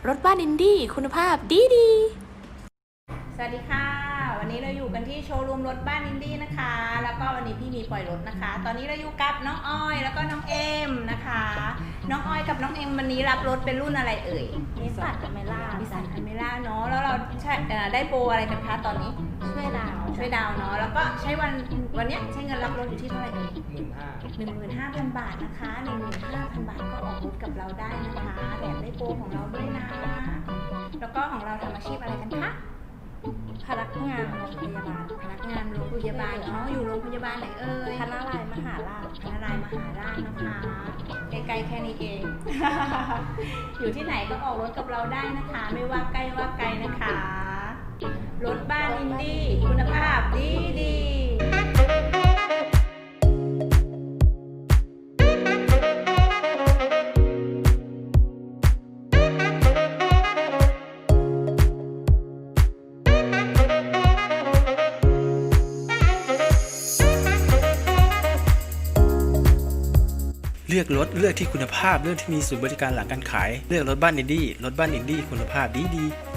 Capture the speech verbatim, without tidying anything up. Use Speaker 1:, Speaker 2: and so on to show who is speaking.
Speaker 1: รถบ้านอินดี้คุณภาพดีดี
Speaker 2: สวัสดีค่ะวันนี้เราอยู่กันที่โชว์รูมรถบ้านอินดี้นะคะแล้วก็วันนี้พี่มีปล่อยรถนะคะตอนนี้เราอยู่กับน้องอ้อยแล้วก็น้องเอ็มนะคะน้องอ้อยกับน้องเอ็มวันนี้รับรถเป็นรุ่นอะไรเอ่ย
Speaker 3: นิสสันอเมร่า
Speaker 2: นิสสันอเมร่าเนาะแล้วเราใช้ได้โปรอะไรกันคะตอนนี้
Speaker 3: ช่วยดาว
Speaker 2: ช่วยดาวเนาะแล้วก็ใช้วันวันนี้ใช้เงินรับรถอยู่ที่เท่าไหร่เอ่ย
Speaker 4: หมื่นห้า
Speaker 2: หนึ่งหมื่นห้าพันบาทนะคะหนึ่งหมื่นห้าพันบาทก็ออกรถกับเราได้นะคะแถมได้โปรของเราด้วยนะแล้วก็ของเราทำอาชีพอะไรกันคะ
Speaker 3: พนักงานโรงพยาบาล
Speaker 2: พนักงานโรงพยาบาลเนาะอยู่โรงพยาบาลไหนเอ่ย
Speaker 3: พนาลายมหาราช
Speaker 2: พนารายมหาราชนะคะใกล้ๆแค่นี้เอง อยู่ที่ไหนก็ออกรถกับเราได้นะคะ ไม่ว่าใกล้ว่าไกลนะคะ รถบ้านอินดี้คุณภาพดีดี
Speaker 4: เลือกรถเลือกที่คุณภาพเลือกที่มีศูนย์บริการหลังการขายเลือกรถบ้านอินดี้รถบ้านอินดี้คุณภาพดีดี